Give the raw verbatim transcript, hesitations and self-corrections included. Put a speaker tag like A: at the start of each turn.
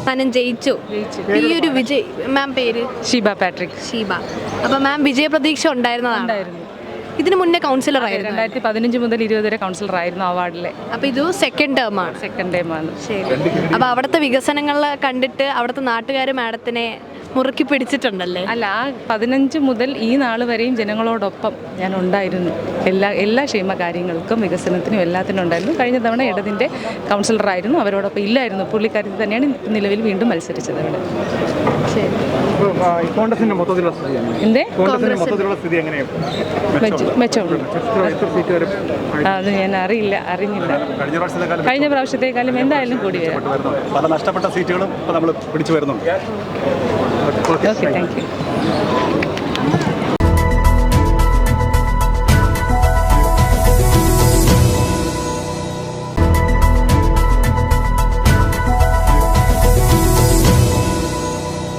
A: അവസാനം ജയിച്ചു. ഈ ഒരു വിജയ് മാം പേര്
B: ഷീബ പാട്രിക്.
A: ഷീബ. അപ്പോൾ മാം വിജയപ്രതീക്ഷ ഉണ്ടായിരുന്നതാണ്. ഇതിന് മുന്നേ കൗൺസിലർ ആയിരുന്നു.
B: രണ്ടായിരത്തി പതിനഞ്ച് മുതൽ ഇരുപത് വരെ കൗൺസിലർ ആയിരുന്നു ആ വാർഡിലെ.
A: അപ്പോൾ ഇത് സെക്കൻഡ് ടേം ആണ്.
B: സെക്കൻഡ് ടൈം ആണ്.
A: ശരി. അപ്പോൾ അവിടുത്തെ വികസനങ്ങൾ കണ്ടിട്ട് അവിടുത്തെ നാട്ടുകാർ മാഡത്തിനെ മുറുക്കി പിടിച്ചിട്ടുണ്ടല്ലേ?
B: അല്ല, ആ പതിനഞ്ച് മുതൽ ഈ നാൾ വരെയും ജനങ്ങളോടൊപ്പം ഞാൻ ഉണ്ടായിരുന്നു. എല്ലാ എല്ലാ ക്ഷേമ കാര്യങ്ങൾക്കും വികസനത്തിനും എല്ലാത്തിനും ഉണ്ടായിരുന്നു. കഴിഞ്ഞ തവണ ഇടതിൻ്റെ കൗൺസിലറായിരുന്നു, അവരോടൊപ്പം ഇല്ലായിരുന്നു. പുള്ളിക്കാരി തന്നെയാണ് നിലവിൽ വീണ്ടും മത്സരിച്ചത് അവിടെ.
A: ശരി.
B: എന്തേ
C: മെച്ചമുണ്ട്.
B: അത് ഞാൻ അറിയില്ല, അറിഞ്ഞില്ല. കഴിഞ്ഞ പ്രാവശ്യത്തെക്കാളും എന്തായാലും കൂടി വരാം.
C: പല നഷ്ടപ്പെട്ട സീറ്റുകളും ഇപ്പോൾ നമ്മൾ പിടിച്ചു വരുന്നുണ്ട്.
B: Okay, thank U.